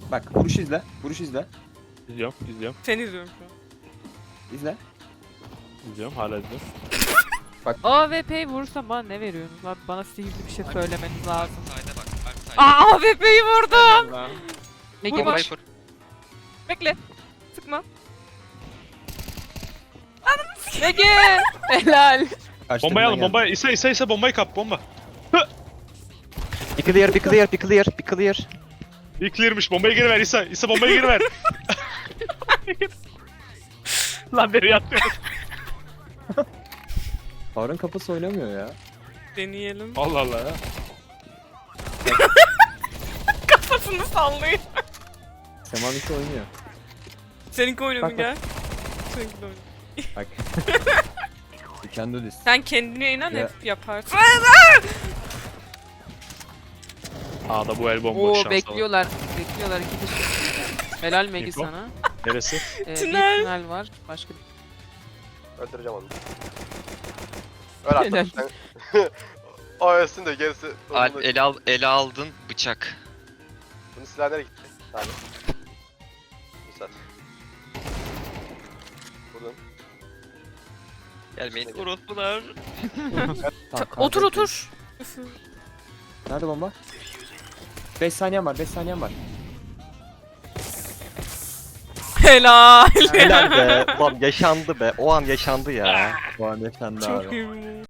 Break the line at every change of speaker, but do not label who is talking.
Bak vuruş izle. Vuruş izle.
İzliyorum, izliyorum,
Seni izliyorum şu an.
İzle.
izliyorum. Hala izliyorum.
AWP'yi vurursam bana ne veriyorsunuz abi? Bana sihirli bir şey söylemeniz lazım.
Sayda bak. Alp sayda.
Aa AWP'yi vurdum.
Megi
Vur
bombayı
bak.
kur.
Bekle. Sıkma. Ege. Helal.
Kaçtı,
Bombayı
buna
alın,
geldi.
bombayı. İsa bombayı kap, bomba.
Bir clear, bir clear, bir clear, bir clear.
İlk clear'mış, bombayı geri ver İsa. İsa bombayı geri ver. Lan nereye atıyorsun?
Harun kapısı oynamıyor ya.
Deneyelim.
Allah Allah ya.
Kafasını sallıyor.
Semaniki oynuyor.
Seninki oynuyor mu
Bak,
gel? Seninki de oynuyor.
Bak. You can do this.
Sen kendine inan
Ya.
hep yaparsın.
A'da bu el bomboş
Oo
şans
bekliyorlar. Bekliyorlar iki kişi. Helal Megi
Info.
sana.
Neresi?
Bir Tünel. tünel var. Başka bir...
Öldüreceğim onu. Öl artık
Helal.
sen. O ölsün de gerisi.
Alp ele aldın bıçak.
Bunun silahı nereye gitti? Abi. Güzel. Vurdun.
Gelmeyin orospular.
Tamam,
Otur
kanka.
otur.
Nerede bomba? 5 saniyem var, 5 saniyem var.
Helal.
Helal be. Ulan yaşandı be. O an yaşandı ya.
Bu an yaşandı
Çok
abi.
iyi.